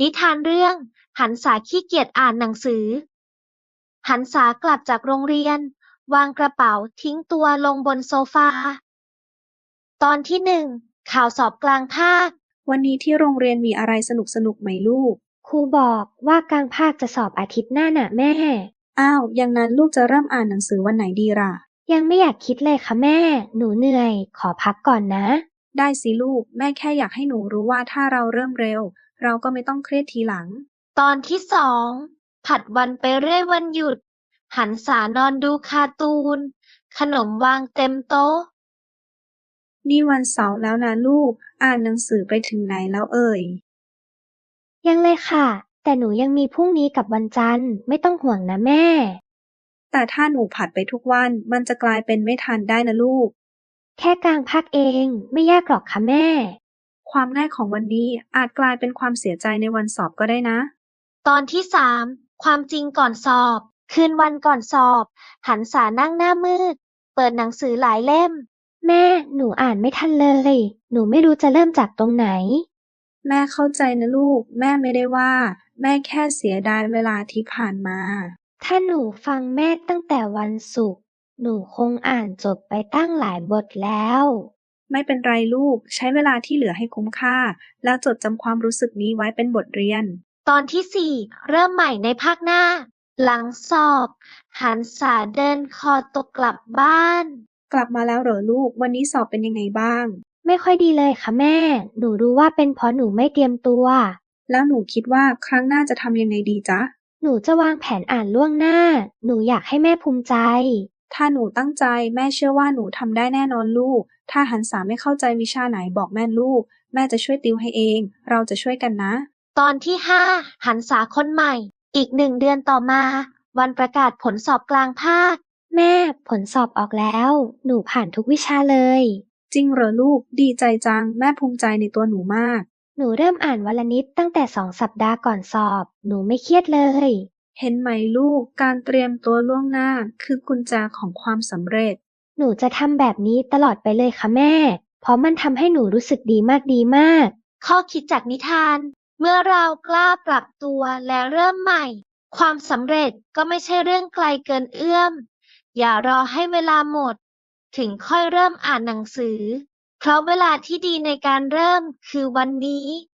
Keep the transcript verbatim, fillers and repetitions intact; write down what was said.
นิทานเรื่องหันษาขี้เกียจอ่านหนังสือหันษากลับจากโรงเรียนวางกระเป๋าทิ้งตัวลงบนโซฟาตอนที่หนึ่งข่าวสอบกลางภาควันนี้ที่โรงเรียนมีอะไรสนุกสนุกไหมลูกครูบอกว่ากลางภาคจะสอบอาทิตย์หน้าน่ะแม่อ้าวอย่างนั้นลูกจะเริ่มอ่านหนังสือวันไหนดีล่ะยังไม่อยากคิดเลยค่ะแม่หนูเหนื่อยขอพักก่อนนะได้สิลูก แม่แค่อยากให้หนูรู้ว่าถ้าเราเริ่มเร็ว เราก็ไม่ต้องเครียดทีหลังตอนที่สองผัดวันไปเรื่อยวันหยุดหันษานอนดูการ์ตูนขนมวางเต็มโต๊ะนี่วันเสาร์แล้วนะลูก อ่านหนังสือไปถึงไหนแล้วเอ่ยยังเลยค่ะ แต่หนูยังมีพรุ่งนี้กับวันจันทร์ไม่ต้องห่วงนะแม่แต่ถ้าหนูผัดไปทุกวันมันจะกลายเป็นไม่ทันได้นะลูกแค่กลางภาคเองไม่ยากหรอกค่ะแม่ความง่ายของวันนี้อาจกลายเป็นความเสียใจในวันสอบก็ได้นะตอนที่สามความจริงก่อนสอบ คืนวันก่อนสอบ หันษานั่งหน้ามืด เปิดหนังสือหลายเล่ม แม่หนูอ่านไม่ทันเลย หนูไม่รู้จะเริ่มจากตรงไหนแม่เข้าใจนะลูก แม่ไม่ได้ว่า แม่แค่เสียดายเวลาที่ผ่านมาถ้าหนูฟังแม่ตั้งแต่วันศุกร์หนูคงอ่านจบไปตั้งหลายบทแล้วไม่เป็นไรลูก ใช้เวลาที่เหลือให้คุ้มค่า แล้วจดจำความรู้สึกนี้ไว้เป็นบทเรียนตอนที่สี่เริ่มใหม่ในภาคหน้า หลังสอบ หันษาเดินคอตกกลับบ้านกลับมาแล้วเหรอลูก วันนี้สอบเป็นยังไงบ้างไม่ค่อยดีเลยค่ะแม่ หนูรู้ว่าเป็นเพราะหนูไม่เตรียมตัวแล้วหนูคิดว่าครั้งหน้าจะทำยังไงดีจ๊ะหนูจะวางแผนอ่านล่วงหน้า หนูอยากให้แม่ภูมิใจถ้าหนูตั้งใจแม่เชื่อว่าหนูทำได้แน่นอนลูก ถ้าหันษาไม่เข้าใจวิชาไหนบอกแม่ลูก แม่จะช่วยติวให้เอง เราจะช่วยกันนะตอนที่ห้าหันษาคนใหม่ อีกหนึ่งเดือนต่อมา วันประกาศผลสอบกลางภาค แม่ผลสอบออกแล้ว หนูผ่านทุกวิชาเลยจริงเหรอลูก ดีใจจัง แม่ภูมิใจในตัวหนูมากหนูเริ่มอ่านวันละนิดตั้งแต่สองสัปดาห์ก่อนสอบ หนูไม่เครียดเลยเห็นไหมลูก การเตรียมตัวล่วงหน้าคือกุญแจของความสำเร็จหนูจะทำแบบนี้ตลอดไปเลยค่ะแม่ เพราะมันทำให้หนูรู้สึกดีมากดีมาก ข้อคิดจากนิทาน เมื่อเรากล้าปรับตัวและเริ่มใหม่ ความสำเร็จก็ไม่ใช่เรื่องไกลเกินเอื้อม อย่ารอให้เวลาหมด ถึงค่อยเริ่มอ่านหนังสือ เพราะเวลาที่ดีในการเริ่มคือวันนี้